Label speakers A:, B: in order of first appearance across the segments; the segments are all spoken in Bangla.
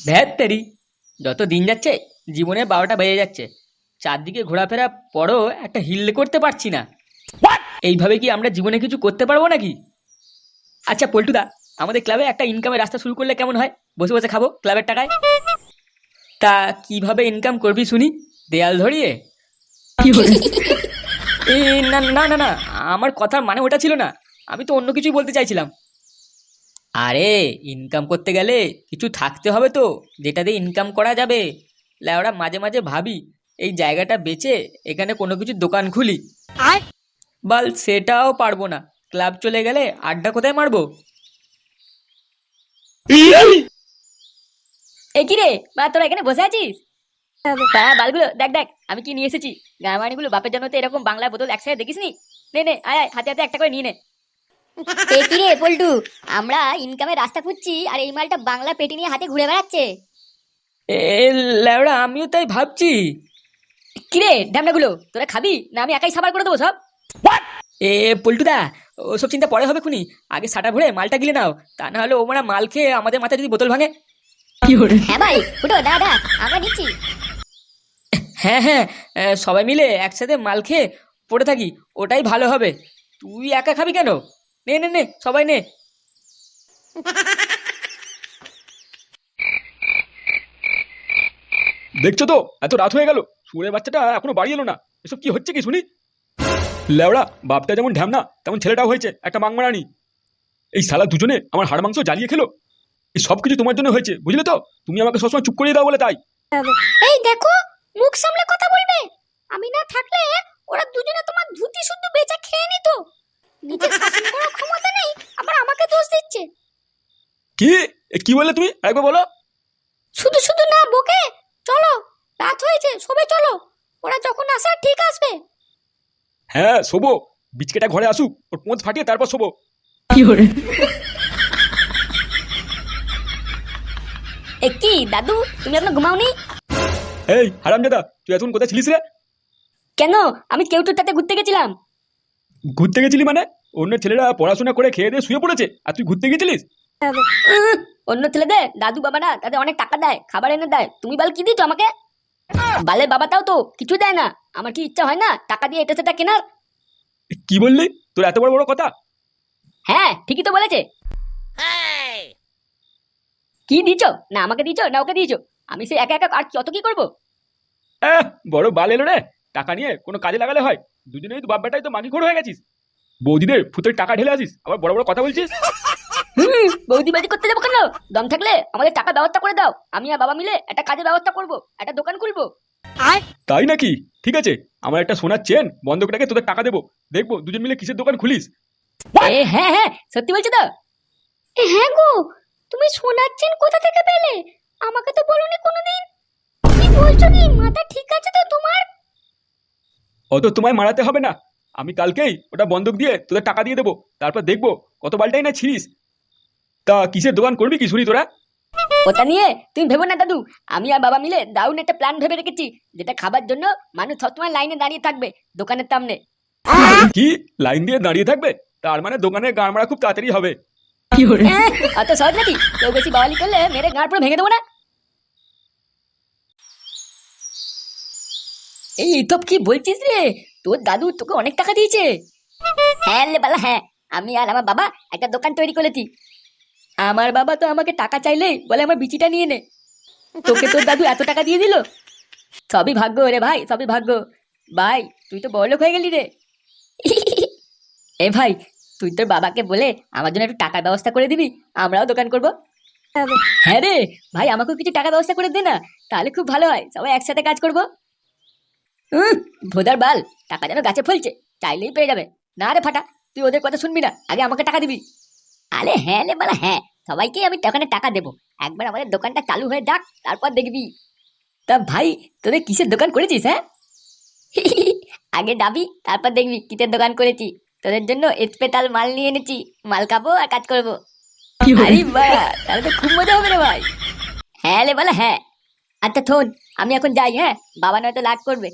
A: ধ্যাত্তেরি, যত দিন যাচ্ছে জীবনে 12টা বেজে যাচ্ছে, চারদিকে ঘোরাফেরা পরও একটা হিল করতে পারছি না। এইভাবে কি আমরা জীবনে কিছু করতে পারবো নাকি? আচ্ছা পল্টুদা, আমাদের ক্লাবে একটা ইনকামের রাস্তা শুরু করলে কেমন হয়? বসে বসে খাবো ক্লাবের টাকায়। তা কিভাবে ইনকাম করবি শুনি? দেয়াল ধরিয়ে? এ, না না না না, আমার কথার মানে ওটা ছিল না। আমি তো অন্য কিছুই বলতে চাইছিলাম। আরে, ইনকাম করতে গেলে কিছু থাকতে হবে তো, যেটা দিয়ে ইনকাম করা যাবে। ল্যাওড়া, মাঝে মাঝে ভাবি এই জায়গাটা বেচে এখানে কোনো কিছু দোকান খুলি। বাল, সেটাও পারবো না। ক্লাব চলে গেলে আড্ডা কোথায় মারবো?
B: এ কি রে বা, তোরা এখানে বসে আছিস? হ্যাঁ বালগুলো দেখ দেখ আমি কি নিয়ে এসেছি। গাঁয়ামানিগুলো বাপের জন্য তো এরকম বাংলা বোতল একসাথে দেখিস নি। নে নে, আয় আয়, হাতে হাতে একটা করে নিয়ে নে।
C: এ কি রে পল্টু, আমরা ইনকামের রাস্তা খুঁজছি আর এই মালটা বাংলা পেটি নিয়ে হাতে ঘুরে বেড়াচ্ছে।
A: এ ল্যাওড়া, আমিও তাই ভাবছি।
B: কি রে ঢ্যামনাগুলো, তোরা খাবি না আমি একাই সাবার করে দেবো সব?
A: এ পল্টুদা, ওসব চিন্তা পরে হবে খুনি। আগে সাটা ভরে মালটা গিলে নাও, তা না হলে ওমরা মাল খেয়ে আমাদের মাথায় যদি বোতল ভাঙে।
C: হ্যাঁ ভাই, ফুটো দাদা আমরা নিচ্ছি।
A: হ্যাঁ হ্যাঁ, সবাই মিলে একসাথে মাল খেয়ে পড়ে থাকি, ওটাই ভালো হবে। তুই একা খাবি কেন? নে নে নে, সবাই নে।
D: দেখছো তো, এত রাত হয়ে গেল, শুয়োরের বাচ্চাটা এখনো বাড়ি এলো না। এসব কি হচ্ছে কি শুনি? লেওড়া, বাপটা যেমন ঢ্যামনা তেমন ছেলেটাও হয়েছে একটা মাংমারানি। এই শালা দুজনে আমার হাড় মাংস জ্বালিয়ে খেলো। এই সব কিছু তোমার জন্য হয়েছে, বুঝলে তো? তুমি আমাকে সবসময় চুপ করিয়ে দাও বলে তাই।
C: এই দেখো, মুখ সামলে কথা বলবে। আমি না থাকলে ওরা দুজনে তোমার ধুতি শুদ্ধ বেচা খেয়ে নিত। নিজের শাসন করার ক্ষমতা নেই, আবার আমাকে দোষ দিচ্ছে।
D: কি কি বললে তুমি? একবার বলো।
C: শুধু শুধু না বকে, চলো রাত হয়েছে, সবাই চলো। ওরা যখন আসে ঠিক আসবে।
D: হ্যাঁ শোবো, বিচকেটা ঘরে আসুক, ওর পোঁত ফাটিয়ে তারপর শোবো।
B: এ কি দাদু, তুমি এখনো ঘুমাওনি?
D: এই হারামজাদা, তুই এখন কোথায় ছিলিস রে?
B: কেন? আমি কেউটুর সাথে ঘুরতে গেছিলাম।
D: ঘুরতে গেছিলি মানে? অন্য ছেলেরা পড়াশোনা করে খেয়ে দিয়ে শুয়ে পড়েছে আর তুই ঘুরতে গেছিলিস?
B: অন্য ছেলেদের দাদু বাবারা তাদের অনেক টাকা দেয়, খাবার এনে দেয়। তুমি বাল কি দিচ্ছ আমাকে? বালের বাবাটাও তো কিছু দেয় না। আমার কি ইচ্ছা হয় না টাকা দিয়ে এটা সেটা কেনার?
D: কি বললি? তোর এত বড় বড় কথা?
B: হ্যাঁ ঠিকই তো বলেছে। কি দিছো? না আমাকে দিছো না ওকে দিয়েছো? আমি সে একা একা আর কত কি করবো?
D: বড় বাল এলো রে। টাকা নিয়ে কোনো কাজে লাগালে হয়? দুজনেই তো বাপ বেটাই তো মাগি খোর হয়ে গেছিস। বৌদিদের ফুতের টাকা ঢেলে আসিস, আবার বড় বড় কথা বলছিস।
B: বৌদিবাজি করতে যাবো কেন? দম থাকলে আমাদের টাকা ব্যবস্থা করে দাও, আমি আর বাবা মিলে একটা কাজের ব্যবস্থা করবো, একটা দোকান খুলবো।
D: তাই নাকি? ঠিক আছে, আমার একটা সোনার চেন বন্ধক রেখে তোদের টাকা দেবো। দেখবো দুজন মিলে কিসের দোকান খুলিস।
B: হ্যাঁ হ্যাঁ, সত্যি বলছো তো?
C: হ্যাঁ গো, তুমি শোনাচ্ছেন কোথা থেকে পেলে? আমাকে তো বলোনি কোনোদিন। কি বলছো কি, মাথা ঠিক আছে তো তোমার?
D: অত তোমায় মারাতে হবে না। আমি কালকেই ওটা বন্ধক দিয়ে তোদের টাকা দিয়ে দেবো, তারপর দেখবো কত বালটাই না ছিড়িস। তা কিসের দোকান করবি কি শুনি তোরা?
B: ওটা নিয়ে তুমি ভেবো না দাদু। আমি আর বাবা মিলে দারুণ একটা প্ল্যান ভেবে রেখেছি, যেটা খাবার জন্য মানুষ সবসময় লাইনে দাঁড়িয়ে থাকবে দোকানের সামনে।
D: কি লাইন দিয়ে দাঁড়িয়ে থাকবে? তার মানে দোকানের গাড় মারা খুব তাড়াতাড়ি হবে।
B: অত সহজ নাকি? কেউ বেশি বাওয়ালি করলে মেরে গাঁট পুরো ভেঙে দেবো না। এই তো কি বলছিস রে? তোর দাদু তোকে অনেক টাকা দিয়েছে? হ্যাঁ লে বালা, হ্যাঁ। আমি আর আমার বাবা একটা দোকান তৈরি করেছি। আমার বাবা তো আমাকে টাকা চাইলেই বলে আমার বিচিটা নিয়ে নে। তোকে তোর দাদু এত টাকা দিয়ে দিল? সবই ভাগ্য রে ভাই, সবই ভাগ্য। ভাই তুই তো বড়লোক হয়ে গেলি রে। এ ভাই, তুই তোর বাবাকে বলে আমার জন্য একটু টাকার ব্যবস্থা করে দিবি, আমরাও দোকান করব। হ্যাঁ রে ভাই, আমাকেও কিছু টাকা ব্যবস্থা করে দে না, তাহলে খুব ভালো হয়, সবাই একসাথে কাজ করবো। ভোদার বাল, টাকা যেন গাছে ফলছে, চাইলেই পেয়ে যাবে। না রে ফাটা, তুই ওদের কথা শুনবি না, আগে আমাকে টাকা দিবি। আরে হ্যাঁ রে বালা, হ্যাঁ, সবাইকে আমি দোকানে টাকা দেবো। একবার আমাদের দোকানটা চালু হয়ে যাক, তারপর দেখবি। তা ভাই, তোদের কিসের দোকান করেছিস? হ্যাঁ, আগে যাবি তারপর দেখবি কিসের দোকান করেছি। তোদের জন্য স্পেশাল মাল নিয়ে এনেছি, মাল খাবো আর কাজ করবো। আরে বাহ, তাহলে তো খুব মজা হবে রে ভাই। হ্যাঁ রে বালা, হ্যাঁ। আচ্ছা শোন, আমি এখন যাই, হ্যাঁ, বাবা নয়তো রাগ করবে।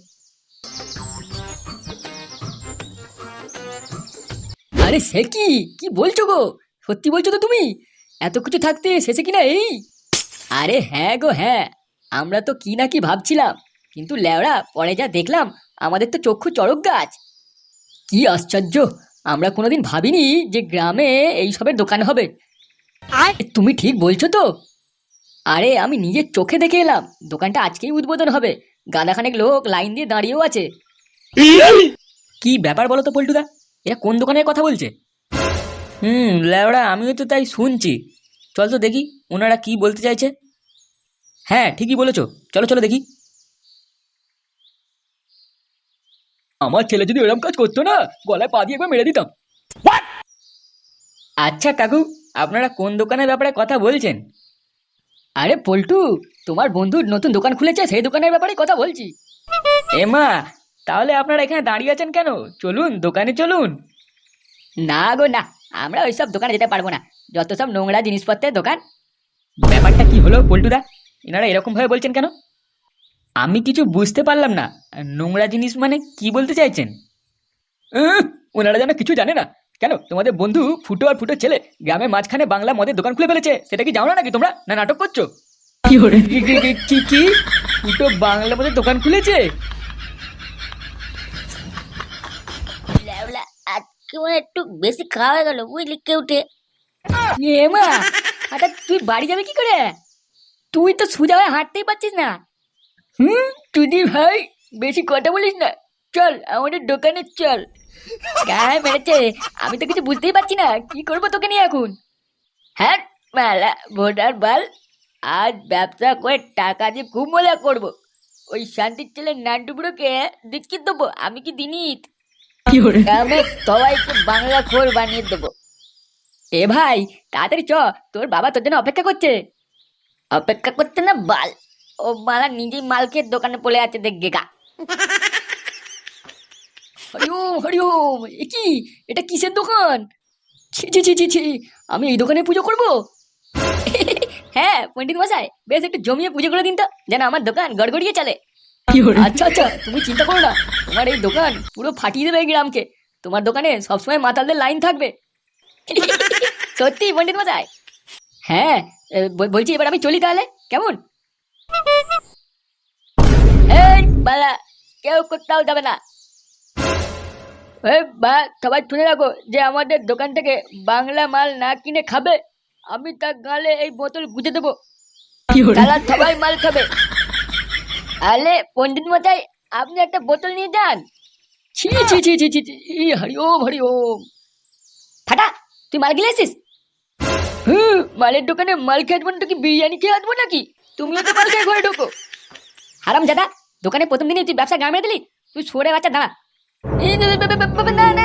B: আরে সে কি, কি বলছো গো? সত্যি বলছো তো তুমি? এত কিছু থাকতে শেষে কিনা এই? আরে হ্যাঁ গো হ্যাঁ, আমরা তো কি না কি ভাবছিলাম, কিন্তু লেওড়া পরে যা দেখলাম আমাদের তো চক্ষু চড়ক গাছ। কি আশ্চর্য, আমরা কোনোদিন ভাবিনি যে গ্রামে এইসবের দোকান হবে। তুমি ঠিক বলছো তো। আরে আমি নিজের চোখে দেখে এলাম, দোকানটা আজকেই উদ্বোধন হবে, গাদাখানেক লোক লাইন দিয়ে দাঁড়িয়েও আছে।
A: কি ব্যাপার বলো তো পল্টুদা, এরা কোন দোকানের কথা বলছে? ল্যাওড়া আমিও তো তাই শুনছি। চল তো দেখি ওনারা কি বলতে চাইছে। হ্যাঁ ঠিকই বলেছো, চলো চলো দেখি।
D: আমার ছেলে যদি এরকম কাজ করতো না, গলায় পা দিয়ে একবার মেরে দিতাম।
A: আচ্ছা কাকু, আপনারা কোন দোকানের ব্যাপারে কথা বলছেন?
B: আরে পল্টু, তোমার বন্ধুর নতুন দোকান খুলেছে, সেই দোকানের ব্যাপারে কথা বলছি।
A: এমা, তাহলে আপনারা এখানে দাঁড়িয়ে আছেন কেন? চলুন দোকানে চলুন।
B: না গো না, আমরা ওইসব দোকানে যেতে পারবো না, যত সব নোংরা জিনিসপত্রের দোকান।
A: ব্যাপারটা কি হলো পল্টুদা, এনারা এরকম ভাবে বলছেন কেন? আমি কিছু বুঝতে পারলাম না। নোংরা জিনিস মানে কি বলতে চাইছেন?
D: ওনারা যেন কিছু জানে না। কেন তোমাদের বন্ধু ফুটো আর ফুটো ছেলে গ্রামের মাঝখানে বাংলা মদের দোকান খুলে ফেলেছে, সেটা কি জানো না নাকি তোমরা? না নাটক করছো?
A: কি ফুটো বাংলা মধ্যে দোকান খুলেছে?
C: আজকে মনে হয় একটু বেশি খাওয়া হয়ে গেল, বুঝলি কেউটে।
B: এমা, হঠাৎ তুই বাড়ি যাবে কি করে? তুই তো সোজা হয়ে হাঁটতেই পারছিস না। তুই ভাই বেশি কথা বলিস না, চল আমাদের দোকানে চল। গায়ে মেরেছে, আমি তো কিছু বুঝতেই পারছি না কি করবো তোকে নিয়ে এখন। হ্যাঁ মেলা ভোটার বাল, আজ ব্যবসা করে টাকা দিয়ে খুব মজা করবো। ওই শান্তির ছেলে নান্টুবুড়োকে দেখিয়ে দেবো আমি কি দিনিত। গ্রামে সবাইকে বাংলা খোর বানিয়ে দেবো। এ ভাই তাড়াতাড়ি চ, তোর বাবা তোর জন্য অপেক্ষা করছে। অপেক্ষা করতে না বাল, ও মালা নিজেই মালকের দোকানে পড়ে আছে দেখবে গা। হরিওম হরিওম, এ কি, এটা কিসের দোকান? ছি ছি ছি ছি ছি, আমি এই দোকানে পুজো করব? হ্যাঁ পণ্ডিত মশাই, বেশ একটু জমিয়ে পুজো করে দিন তো, যেন আমার দোকান গড়গড়িয়ে চলে। আচ্ছা আচ্ছা, তুমি চিন্তা করো না, তোমার এই দোকান পুরো ফাটিয়ে দেবে এই গ্রামকে। তোমার দোকানে সবসময় মাতালদের লাইন থাকবে। সত্যি পণ্ডিত মশাই। হ্যাঁ বলছি এবার আমি চলি তাহলে, কেমন? এই বালা, কেউ কোথাও যাবে না। সবাই শুনে রাখো, যে আমাদের দোকান থেকে বাংলা মাল না কিনে খাবে, আমি তার গালে এই বোতল গুঁজে দেবো। তারা সবাই মাল খাবে। আলে পণ্ডিত মশাই, আপনি একটা বোতল নিয়ে যান। ছি ছি ছি ছি ছি ছি, হরি ওম হরি ওম। ফাটা, তুই মাল গিলে এসিস? মালের দোকানে মাল খেয়ে আসবো না কি বিরিয়ানি খেয়ে আসবো নাকি? তুমিও তো মাল খেয়ে ঘরে ঢোকো। হারাম জাদা, দোকানে প্রথম দিনে তুই ব্যবসা গামে দিলি, তুই সরে বাচ্চা দাঁড়া। না না